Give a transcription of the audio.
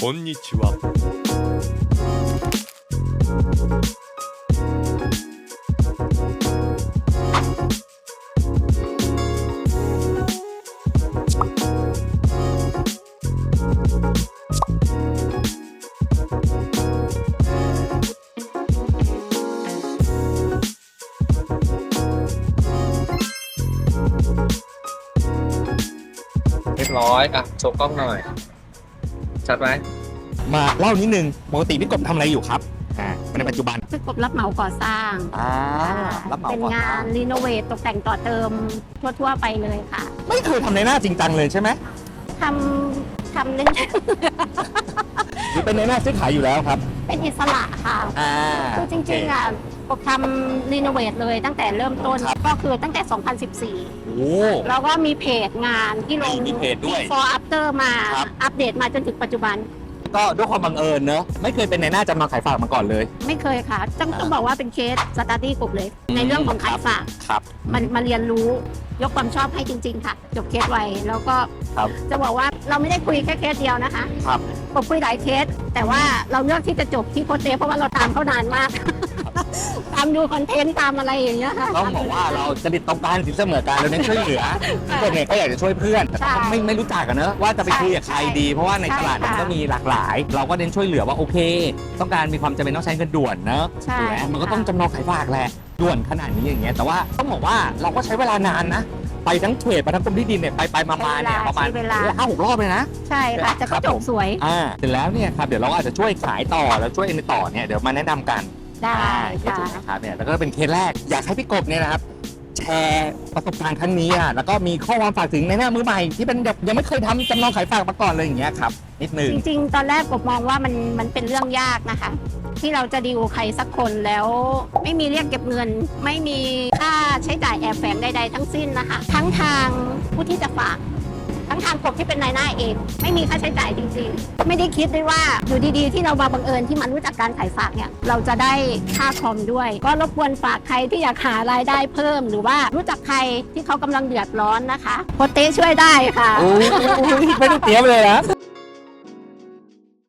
こんにちは。 เรียบร้อยอ่ะโชว์กล้องหน่อยชัดไหมมาเล่านิดนึงปกติพี่กบทำอะไรอยู่ครับในปัจจุบันพี่กบรับเหมาก่อสร้างรับเหมาเป็นก่อสงาร้างนรีโนเวทตกแต่งต่อเติมทั่วๆไปเลยค่ะไม่เคยทำในหน้าจริงจังเลยใช่ไหมทำเล่นหรือเป็นในหน้าซื้อขายอยู่แล้วครับเป็นอิสระค่ะ คือจริงๆอ่ะกบทำรีโนเวทเลยตั้งแต่เริ่มต้นก็คือตั้งแต่ 2014 โอ้แล้วก็มีเพจงานที่ลงมีเพจด้วย before after มาครับอัปเดตมาจนถึงปัจจุบันก็ด้วยความบังเอิญเนอะไม่เคยเป็นในหน้าจำนองขายฝากมาก่อนเลยไม่เคยค่ะต้องบอกว่าเป็นเคสสตาร์ดี้กบเลย ในเรื่องของขายฝากครับมันมาเรียนรู้ยกความชอบให้จริง ๆ ค่ะ จบเคสไวแล้วก็ครับจะบอกว่าเราไม่ได้คุยแค่เคสเดียวนะคะครับผมคุยหลายเคส แต่ว่าเราเลือกที่จะจบที่โคชเต้เพราะว่าเราตามเขานานมาก ตามดูคอนเทนต์ตามอะไรอย่างเงี้ยค่ะต้องบอกว่าเราจริตตรงกันสินเสมอกันเราเน้นช่วยเหลือทุกคนเนี่ยก็อยากจะช่วยเพื่อนแต่ใช่ก็ไม่รู้จักกันเนอะว่าจะไปคุยกับใครดี เพราะว่าในตลาดมันก็มีหลากหลาย เราก็เน้นช่วยเหลือว่าโอเค ต้องการมีความจำเป็นต้องใช้เงินด่วนเนอะใช่ถูกไหมมันก็ต้องจำนองขายฝากแหละด่วนขนาดนี้อย่างเงี้ยแต่ว่าต้องบอกว่าเราก็ใช้เวลานานนะ ไปทั้งเทรดไปทั้งกรมที่ดินเนี่ยไปมาเนี่ยประมาณใช้เวลา 5-6 รอบเลยนะใช่ค่ะแต่ครัก็บจผบมสวยเสร็จแล้วเนี่ยครับเดี๋ยวเราก็อาจจะช่วยขายต่อแล้วช่วยในต่อเนี่ยเดี๋ยวมาแนะนำกันได้ถูค่ะกนะครับเนี่ยแล้วก็เป็นเคสแรกอยากให้พี่กบเนี่ยนะครับแชร์ประสบการณ์ครั้งนี้แล้วก็มีข้อความฝากถึงในหน้ามือใหม่ที่เป็นแบบยังไม่เคยทำจำนองขายฝากมาก่อนเลยอย่างเงี้ยครับนิดนึงจริงๆ ตอนแรกผมมองว่ามันเป็นเรื่องยากนะคะ ที่เราจะดีลใครสักคนแล้วไม่มีเรียกเก็บเงิน ไม่มีค่าใช้จ่ายแอบแฝงใดๆทั้งสิ้นนะคะ ทั้งทางผู้ที่จะฝาก ทั้งทางกบที่เป็นนายหน้าเอง ไม่มีค่าใช้จ่ายจริงๆ ไม่ได้คิดด้วยว่าอยู่ดีๆ ที่เรามาบังเอิญที่มันรู้จักการขายฝากเนี่ยเราจะได้ค่าคอมด้วย ก็รบกวนฝากใครที่อยากหารายได้เพิ่ม หรือว่ารู้จักใครที่เขากำลังเดือดร้อนนะคะโคชเต้ช่วยได้ค่ะโอ้ยไม่ต้องเตรียมเลยนะ